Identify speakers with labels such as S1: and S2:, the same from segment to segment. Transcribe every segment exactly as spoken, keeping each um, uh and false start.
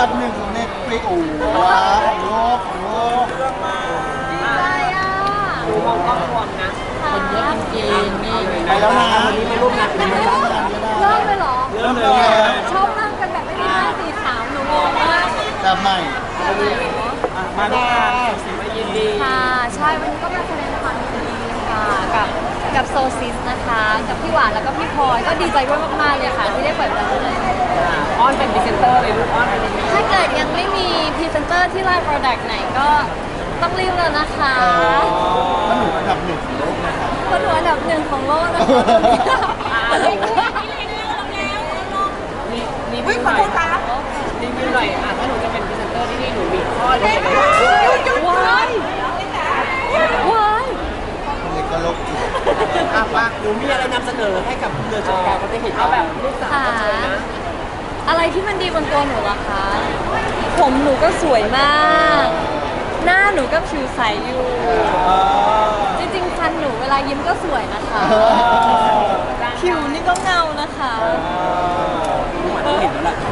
S1: ดับหนึ่งของเน็ตฟลิกโอ้ว้าวของโลกของโลก
S2: ดีใจอ่ะ
S3: ดูมองกล้องรวมนะ
S2: คนเยอะจริงๆนี่
S1: ไปแล้วนะ
S3: วันนี้มาร่วมงานเป็น
S2: เ
S3: ไงบ้าง
S2: ริ่มเลยเหรอ
S1: เริ่มเลย
S2: ชอบนั่งกันแบบไม่มีห้าสี่สามหนูงงมาก
S1: แบบใหม่
S3: มาร่วมงานสีมายินดี
S2: ค่ะใช่วันนี้ก็มาแสดงความยินดีค่ะกับกับโซซิสนะคะกับพี่หวานแล้วก็พี่พลอยก็ดีใจด้วยมากๆเลยค่ะที่ได้เปิดร้านเลย
S3: อ้อนเป็นพรีเซนเตอร์เลยลูกอ้อนเป็นยังไง
S2: ถ้าเกิดยังไม่มีพรีเซนเตอร์ที่ไลน์โปรดักต์ไหนก็ต้องรีบแล้วนะคะ
S1: มันหนูอันดับหนึ่งของโลกนะคะ
S2: คนหนูอันดับหนึ่งของโลกนะคะ
S3: มีมีวิวหน่อยมีวิวหน่อยอ่ะถ้าหนูจะเป็นพรีเซนเตอร์ที่นี่หนูมีข้อดีอะไรบ้าง
S2: ว้ายว้าย
S1: เด็กก็โลกจิต
S3: อ่ะมาหนูมีอะไรนำเสนอให้กับเรือชมการเขาได้เห็นเอาแบบลูกสาวสวยนะ
S2: อะไรที่มันดีบนตัวหนูล่ะคะผมหนูก็สวยมากหน้าหนูก็ผิวใสอยู่จริงๆฟันหนูเวลายิ้มก็สวยนะคะผิวนี่ก็เงานะคะ
S3: เห็นแล้ว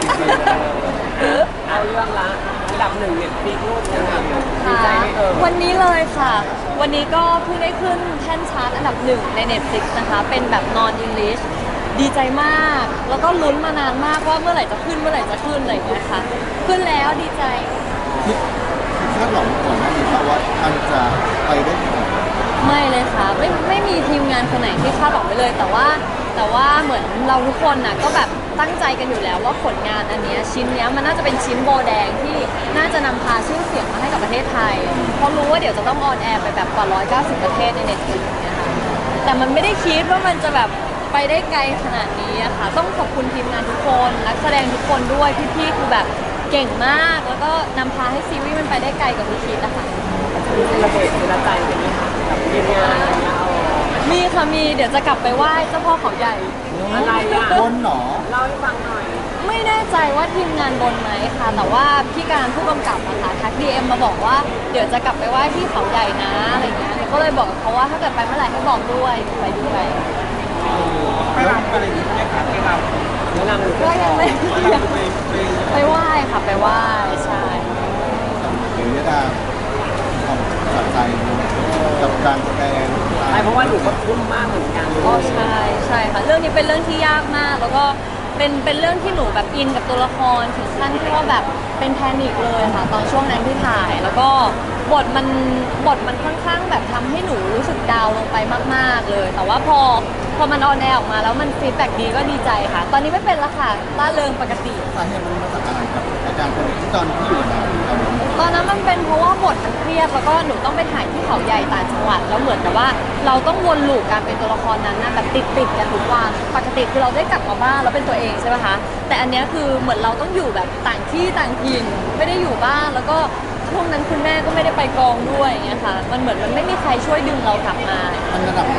S3: เอาเรื่องละระดับหนึ่งเนี่ยปีรูปยังไงดีใจไหมเออ
S2: วันนี้เลยค่ะวันนี้ก็เพิ่งได้ขึ้นแท่นชาร์ตอันดับหนึ่งใน Netflix นะคะเป็นแบบ non English ดีใจมากแล้วก็ลุ้นมานานมากว่าเมื่อไหร่จะขึ้นเมื่อไหร่จะขึ้นอะไรอย่างเงี้ยค่ะขึ้นแล้วดีใจ
S1: คิดคาดหวังก่อนหน้านี้ว่ามันจะไปได้ถึงไหน
S2: ไม่เลยค่ะไม่ไม่มีทีมงานคนไหนที่คาดหวังไปเลยแต่ว่าแต่ว่าเหมือนเราทุกคนน่ะก็แบบตั้งใจกันอยู่แล้วว่าผลงานอันนี้ชิ้นนี้มันน่าจะเป็นชิ้นโบแดงที่น่าจะนำพาชื่อเสียงมาให้กับประเทศไทยเพราะรู้ว่าเดี๋ยวจะต้องออนแอร์ไปแบบกว่าหนึ่งร้อยเก้าสิบประเทศในเน็ตฟลิกซ์เนี่ยค่ะแต่มันไม่ได้คิดว่ามันจะแบบไปได้ไกลขนาดนี้อะค่ะต้องขอบคุณทีมงานทุกคนนักแสดงทุกคนด้วยพี่ๆคือแบบเก่งมากแล้วก็นำพาให้ซีรีส์มันไปได้ไกลกว่าที่คิดอะค่ะ
S3: ระเบิดเวลาใจเป็นไหมคะกับทีมงานอะไรเงี้ย
S2: มีค่ะมีเดี๋ยวจะกลับไปไหว้เจ้าพ่อเขาใหญ่
S3: อะไรอ่ะ
S1: บนหนอ
S3: เล่าให้ฟังหน่อย
S2: ไม่แน่ใจว่าทีมงานบนไหมค่ะแต่ว่าพี่การผู้กำกับอะค่ะทักดีเอ็มมาบอกว่าเดี๋ยวจะกลับไปไหว้ที่เขาใหญ่นะอะไรเงี้ยก็เลยบอกเขาว่าถ้าเกิดไปเมื่อไหร่ให้บอกด้วยไปด้วย
S1: ไปรำอะไรอย่างนี้ไหมคะไปร
S3: ำแนะนำหนู
S2: ก็ยังไม่ไปไหว้ค่ะไปไหว้ใช่
S1: หรือจะความสนใจกับการแสดง
S3: ใช่เพราะว่าหนูก็ทุ่มมากเหมือนกัน
S2: อ๋อใช่ใช่ค่ะเรื่องนี้เป็นเรื่องที่ยากมากแล้วก็เป็นเป็นเรื่องที่หนูแบบอินกับตัวละครถึงขั้นที่ว่าแบบเป็นแพนิคเลยค่ะตอนช่วงนั้นที่ถ่ายแล้วก็บทมันบทมันค่อนข้างแบบทำให้หนูรู้สึกดาวลงไปมากๆเลยแต่ว่าพอพอมันออนแอร์ออกมาแล้วมันฟีดแบ็กดีก็ดีใจค่ะตอนนี้ไม่เป็นแล้วค่ะล่าเริงปกติ
S1: สาเหตุมันมาจากอะไรครับอาการคนที่ตอนที่อยู่ใน
S2: ตอนนั้นมันเป็นเพราะว่าบทมันเครียดแล้วก็หนูต้องไปถ่ายที่เขาใหญ่ต่างจังหวัดแล้วเหมือนกับว่าเราต้องวนลูปการเป็นตัวละครนั้นนะแบบติดติดกันทุกวันปกติคือเราได้กลับมาบ้านแล้วเป็นตัวเองใช่ไหมคะแต่อันนี้คือเหมือนเราต้องอยู่แบบต่างที่ต่างถิ่นไม่ได้อยู่บ้านแล้วก็ช่วงนั้นคุณแม่ก็ไม่ได้ไปกองด้วยอย่างเงี้ยค่ะมันเหมือนมันไม่มีใครช่วยดึงเรากลับมา
S1: มันระดับไหน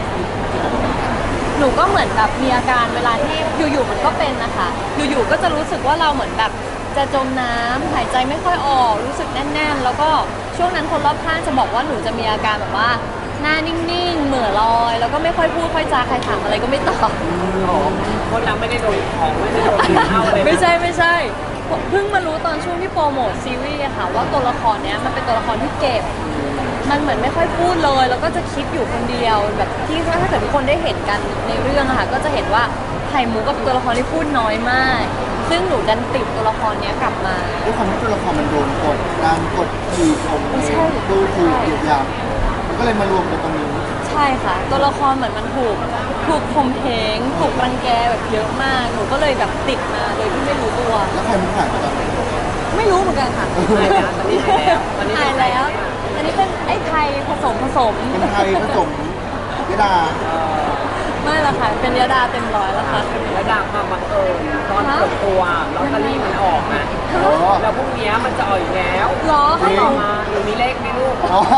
S2: หนูก็เหมือนแบบมีอาการเวลาที่อยู่ๆมันก็เป็นนะคะอยู่ๆก็จะรู้สึกว่าเราเหมือนแบบจะจมน้ำหายใจไม่ค่อยออกรู้สึกแน่นๆแล้วก็ช่วงนั้นคนรอบข้างจะบอกว่าหนูจะมีอาการแบบว่าหน้านิ่งๆเหม่อลอยแล้วก็ไม่ค่อยพูดค่อยจาใครถามอะไรก็ไม่ตอบ
S3: คนเราไม่ได้โดนของไม่ได้โดนเข้าเลย
S2: ไม่ใช่ไม่ใช่เพิ่งมารู้ตอนช่วงที่โปรโมทซีรีส์ค่ะว่าตัวละครเนี้ยมันเป็นตัวละครที่เก็บมันเหมือนไม่ค่อยพูดเลยแล้วก็จะคิดอยู่คนเดียวแบบที่ถ้าเกิดทุกคนได้เห็นกันในเรื่องอะค่ะก็จะเห็นว่าไข่มุกกับตัวละครที่พูดน้อยมากซึ่งหนูดันติดตัวละครนี้กลับมา
S1: ด้วยความที่ตัวละครมันโดนกดดันกดขี่ข่มดูถูกเหยียดหยามมันก็เลยมารวมกันตรงนี้
S2: ใช่ค่ะตัวละครเหมือนมันถูกถูกข่มเหงถูกรังแกแบบเยอะมากหนูก็เลยแบบติดมาโดยที่ไม่รู้ตัว
S1: แล้วใครมันผ่านตอนไหน
S2: ไม่รู้เหมือนกันค่ะ
S3: ตอนนี้หายแล้วตอนนี้
S2: หายแล้วอันนี้เป็นไอ้ไทยผสมผสม
S1: เป็นไทยผสมยดา
S2: ไม่ละค่ะเป็นยดาเต็มร้อยแล้วค่ะ
S3: ยดาความบังเอิญตอนเปิดตัวลอตเตอรี่มันออกอ่ะแล้วพรุ่งนี้มันจะออกอีกแล้ว
S2: หรอ
S3: ให้ต่อมาหนูมีเลขไหมลูก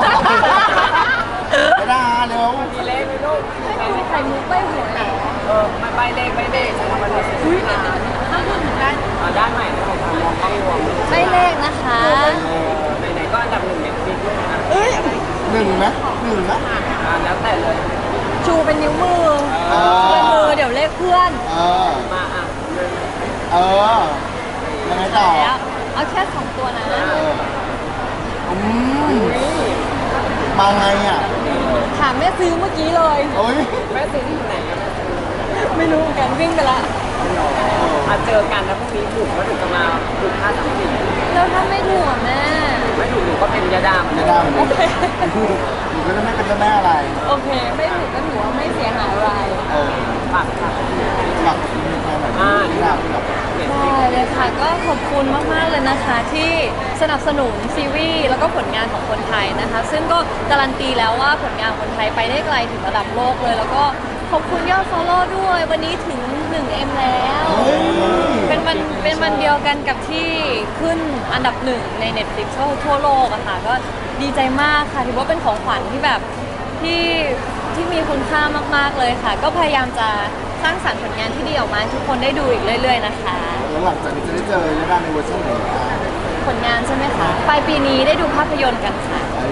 S1: ยดาเร็ว
S3: มีเลขไหมลูก
S2: ไม่มีใครมุกใบหัว
S3: เออไม่ใบเลขใบเลขใช่ไหมมันจะสุดท้ายด้านด้านใหม่ของทางมองกล้องรวม
S2: ใบเลขนะคะ
S3: ไหนๆก็อันดับหนึ่งเน็ตฟลิกซ์นะ
S2: เอ้ย
S1: หนึ่งนะหนึ่งนะ
S3: แล้วแต่เลย
S2: ชูเป็นนิ้วมือเป็นมือเดี๋ยวเลขเพื่อน
S1: เออ
S3: มาอ่ะ
S1: เออยังไงต่อ
S2: แล้วเอาแค่สองตัวนะ
S1: เอออืมมาไงอ่ะ
S2: ถามแม่ซื้อเมื่อกี้เลย
S1: โอ้ย
S3: แม่ซื้อที่ไหนอะ
S2: ไม่รู้เหมือนกันวิ่งไปละ
S3: มาเจอกันแล้วพรุ่งนี้ถูกก็ถึงจะมาถูกค่าสามสิบ
S2: แล้วถ้าไม่ถูกอะแม่
S3: ไม่ถูกหนูก็เป็นยาดาม
S1: ไม่ได้เหมือนกันหนูก็จะไม่เป็นเจ้าแม่อะไร
S2: โอเค ไม่ถูกก็ถือว่าไม่เสียหายอะไร
S1: เออ
S3: ฝากค่ะ
S1: หลักมีแค่ไหนที่หลักแบบ
S2: ได้เลยค่ะก็ขอบคุณมากๆเลยนะคะที่สนับสนุนซีรีส์แล้วก็ผลงานของคนไทยนะคะ ซึ่งก็การันตีแล้วว่าผลงานคนไทยไปได้ไกลถึงระดับโลกเลย แล้วก็ขอบคุณยอด follow ด้วยวันนี้ถึง หนึ่งเอ็ม แล้ว เป็นวันเป็นวันเดียวกันกับที่ขึ้นอันดับหนึ่งใน Netflix ก็ทั่วโลกอะค่ะก็ดีใจมากค่ะถือว่าเป็นของขวัญที่แบบที่ที่มีคุณค่ามากๆเลยค่ะ ก็พยายามจะสร้างสรรค์ผลงานที่ดีออกมาให้ทุกคนได้ดูอีกเรื่อยๆนะคะ
S1: แล้วหลังจากนี้จะได้เจอยาดาในเวอร์ชันไหนอ่ะ
S2: ผลงานใช่ไหมคะปลายปีนี้ได้ดูภาพยนตร์กันค่ะ
S1: ไอ้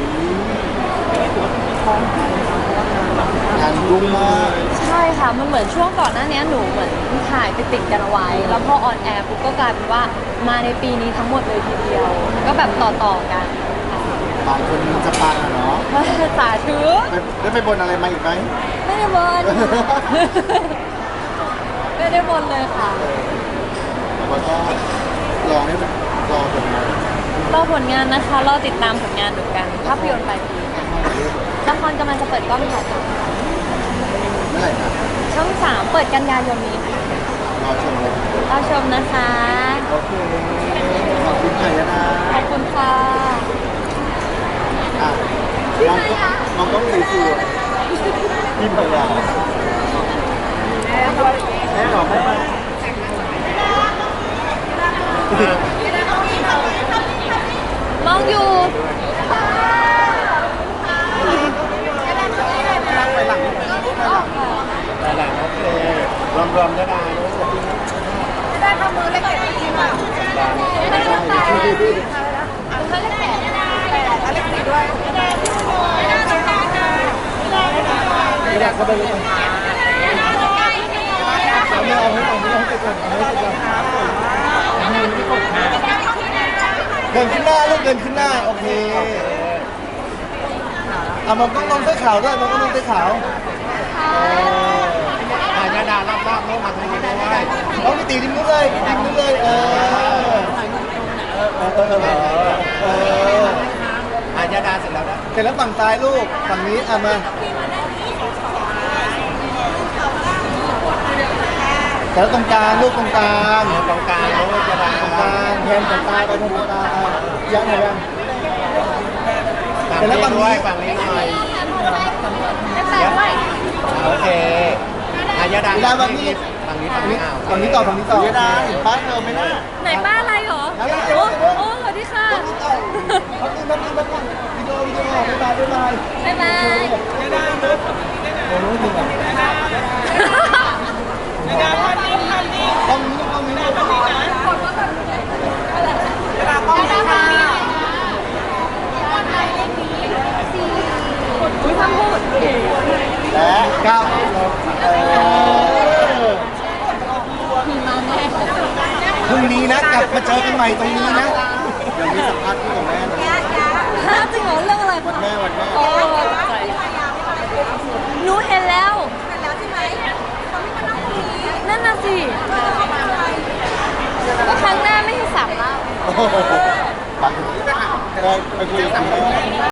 S1: งานรุ่งมาก
S2: ใช่ค่ะ มันเหมือนช่วงก่อนหน้านี้หนูเหมือนถ่ายไปติดกันเอาไว้ แล้วพอออนแอร์ปุ๊บก็กลายเป็นว่ามาในปีนี้ทั้งหมดเลยทีเดียว ก็แบบต่อๆกัน
S1: บางคนมันจะปังอะเนาะ
S2: ค่ะสาธุ
S1: ไปได้ไปบนอะไรมาอีกไหม
S2: ไม่ได้บน ไม่ได้บนเลยค่ะ
S1: แล้วก็รอให้มันรอผลงาน
S2: รอผลงานนะคะ รอติดตามผลงานดูกัน ภาพยนตร์ปลายปีละครกำลังจะเปิดกล้องถ่ายท
S1: เมื่อไหร่นะ
S2: ำช่องสามเปิดกันยายนนี้ค่ะ
S1: รอชมเลย
S2: รอชมนะคะ
S1: โอเคขอบคุณค่ะยาดา
S2: ขอบคุณค่ะ
S1: อ่ะน้องก็น้องต้องรีวิวพี่พยาแม่หรอแม่มา
S2: มองอยู่
S1: นั่งไปหลังไปหลัง
S2: อ๋อค่ะ
S1: ไปหลังโอเครวมรวมยาดาลูก
S2: ได้ทำมือเล็กๆจริงๆอ่ะ
S1: ได้ได้
S2: คุณให้เล็กแปดแต่เล็กสี่ด้วย
S1: ไม่อยากเข้าไปเลยเอาไม่เอาไม่เอาไม่เอาไปก่อนเอาไม่ไปก่อนเดินขึ้นหน้าลูกเดินขึ้นหน้าโอเคเอามองต้องมองเสื้อขาวด้วยมองต้องมองเสื้อขาวอ่ายาดารอบๆลูกมาตรงนี้ด้วยน้องไปตีริมนู้นเลยริมนู้นเลยเออเออเออเออเอออ่ายาดาเสร็จแล้วนะเสร็จแล้วฝั่งซ้ายลูกฝั่งนี้อ่ะมาแล้วตรงกลางลูกตรงกลางตรงกลางลูกจะได้ตรงกลางแทนตรงกลางไปตรงกลางยังไงยังเสร็จแล้วฝั่งนี้ฝั่งนี้หน่อย
S2: ได้แปดด้วย
S4: โอเคอายาดา
S1: เวลาฝั่งนี้
S4: ฝั่งนี้ฝั่งนี้อ้าว
S1: ฝั่งนี้ต่อฝั่งนี้ต่อยาดาเห็นป้าเธอไหมน่ะ
S2: ไหนป้าอะไรเหรอ
S1: เดี๋ยว
S2: โอ้
S1: เดี๋ยว
S2: โอ้สวัสดีค่ะ
S1: ฝั่งนี้ต่อฝั่งนี้ฝั่งนี้วิดีโอวิดีโอบ๊ายบายบ๊ายบาย
S2: บ๊ายบาย
S1: โอ้โหจริงอ่ะต้องนี้ต้องนี้ต้องนี้
S2: อุ้ยพังพูด
S1: และกับเออ
S2: มีมาแน่
S1: พรุ่งนี้นะกลับมาเจอกันใหม่ตรงนี้นะเดี๋ยวมีสัมภาษณ์พี่กับแม่นะ
S2: ฮะจริงเหรอเรื่องอะไร
S1: วัน
S2: คะ
S1: แม่วันแม่
S2: โอ้ใจหนูเห็นแล้ว นั่นน่ะสิก็ครั้งหน้าไม่ให้สามเล่า
S1: โอ้โหไปไปคุยกับแม่